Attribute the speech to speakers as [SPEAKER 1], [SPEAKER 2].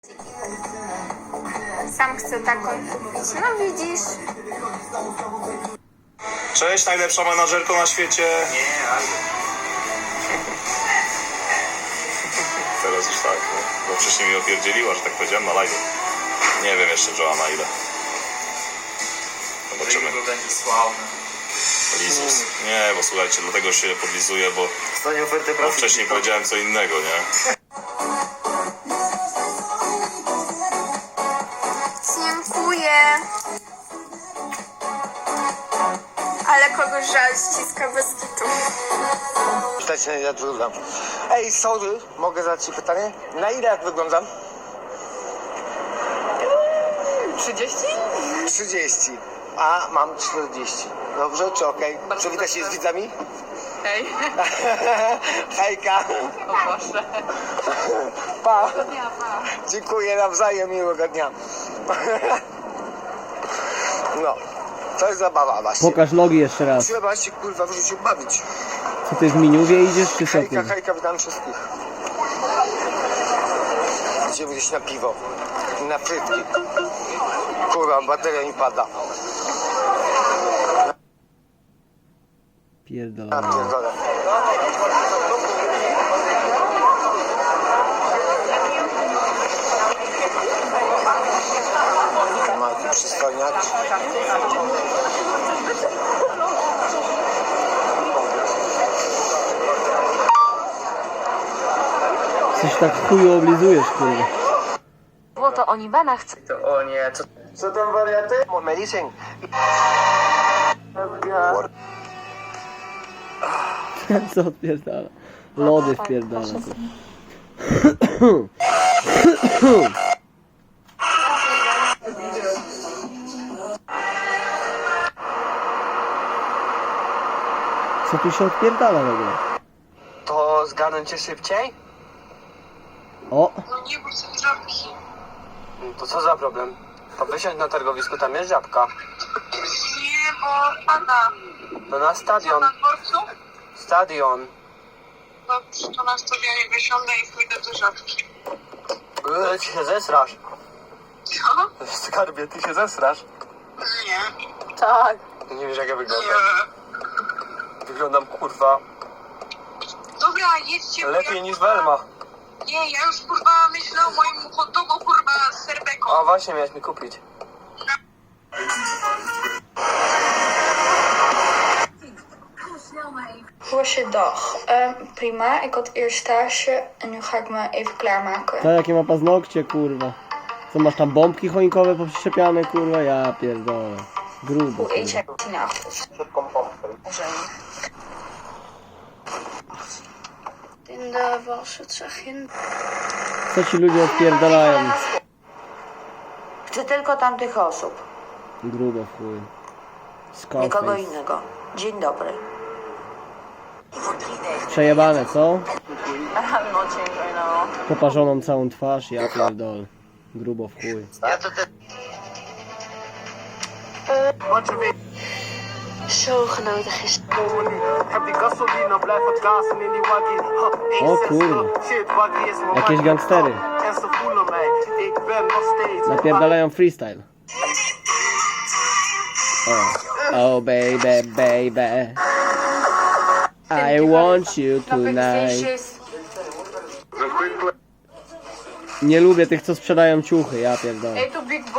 [SPEAKER 1] Sam chcę taką kupić. No widzisz.
[SPEAKER 2] Cześć, najlepsza menadżerko na świecie.
[SPEAKER 3] Nie, ale...
[SPEAKER 2] Teraz już tak, no. Bo wcześniej mi opierdzieliła, że tak powiedziałem na live. Nie wiem jeszcze, Joanna, ile. Zobaczymy.
[SPEAKER 3] Rygo będzie sławny.
[SPEAKER 2] Lizus. Nie, bo słuchajcie, dlatego się podlizuję, bo
[SPEAKER 3] Stanie ofertę pracy.
[SPEAKER 2] wcześniej powiedziałem co innego, nie?
[SPEAKER 1] Dziękuję. Ale kogoś żal ściska bez kitu.
[SPEAKER 4] Pytać na ile wyglądam. Ej, sorry, mogę zadać ci pytanie? Na ile jak wyglądam?
[SPEAKER 5] 30?
[SPEAKER 4] 30, a mam 40. Dobrze, czy okej? Przywita się z widzami?
[SPEAKER 5] Hej.
[SPEAKER 4] Hejka.
[SPEAKER 5] O Boże.
[SPEAKER 4] Pa.
[SPEAKER 5] Dnia, pa.
[SPEAKER 4] Dziękuję nawzajem, miłego dnia. No, to jest zabawa właśnie.
[SPEAKER 6] Pokaż nogi jeszcze raz.
[SPEAKER 4] Trzeba się kurwa w życiu bawić.
[SPEAKER 6] Co ty w miniuwie idziesz czy co
[SPEAKER 4] Hejka,
[SPEAKER 6] ty?
[SPEAKER 4] hejka, witam wszystkich. Idziemy gdzieś na piwo. Na frytki. Kurwa, bateria mi pada.
[SPEAKER 6] Pierdolę.
[SPEAKER 4] Pierdolę. Ma tu przystojniak.
[SPEAKER 6] Coś tak chuju oblizujesz, kurwa.
[SPEAKER 7] Było to oni bana chce.
[SPEAKER 3] To o nie,
[SPEAKER 4] Co tam wariaty? Medicine.
[SPEAKER 6] Co odpierdala? Lody wpierdala. Co tu się odpierdala w ogóle?
[SPEAKER 4] To zgarnę cię szybciej?
[SPEAKER 6] O!
[SPEAKER 8] No nie, bo są żabki.
[SPEAKER 4] To co za problem? To wysiądź na targowisku, tam jest żabka.
[SPEAKER 8] Nie, bo pada.
[SPEAKER 4] No na stadion.
[SPEAKER 8] Na dworcu?
[SPEAKER 4] Stadion.
[SPEAKER 8] Dobrze, to na stadionie wysiądę i pójdę do żabki.
[SPEAKER 4] Ty się zesrasz.
[SPEAKER 8] Co?
[SPEAKER 4] Skarbie, ty się zesrasz.
[SPEAKER 8] Nie.
[SPEAKER 5] Tak.
[SPEAKER 4] Ty nie wiesz jak ja wyglądam.
[SPEAKER 8] Nie.
[SPEAKER 4] Wyglądam kurwa
[SPEAKER 8] Dobra, jedźcie. bo
[SPEAKER 4] lepiej
[SPEAKER 8] ja,
[SPEAKER 4] niż
[SPEAKER 8] kurwa,
[SPEAKER 4] Welma.
[SPEAKER 8] Nie, ja już kurwa myślę o moim hot dogu kurwa z serbeką.
[SPEAKER 4] A właśnie miałeś mi kupić.
[SPEAKER 1] Goeiedag. Prima, ik had eerst stage en nu ga ik me even klaarmaken.
[SPEAKER 6] To jakie ma paznokcie, kurwa. Co masz tam bombki choinkowe poprzyczepiane, kurwa? Ja pierdolę. Grubo,
[SPEAKER 1] Hoe eet
[SPEAKER 6] kurwa.
[SPEAKER 1] jij vanavond?
[SPEAKER 4] Szybką pompkę.
[SPEAKER 1] In de was het zeg je.
[SPEAKER 6] Co ci ludzie odpierdalają?
[SPEAKER 9] Chcę tylko tamtych osób,
[SPEAKER 6] Grubo w chuj.
[SPEAKER 9] nikogo
[SPEAKER 6] Scarface.
[SPEAKER 9] innego. Dzień dobry.
[SPEAKER 6] Przejebane, co?
[SPEAKER 5] No ciężej, no.
[SPEAKER 6] Poparzoną całą twarz, ja pierdolę. Grubo w chuj.
[SPEAKER 4] Ja to ty...
[SPEAKER 7] Zo genoten gisteren.
[SPEAKER 4] Heb die gasolina, blijf het gasen in die waggie.
[SPEAKER 6] O kurwa.
[SPEAKER 4] Shit, waggie is mijn
[SPEAKER 6] Jakieś gangstery.
[SPEAKER 4] En ze voelen mij, ik ben nog steeds.
[SPEAKER 6] Napierdalają freestyle. Oh baby, baby. I want you tonight. Nie lubię tych, co sprzedają ciuchy, ja pierdolę.
[SPEAKER 5] Ej, tu Big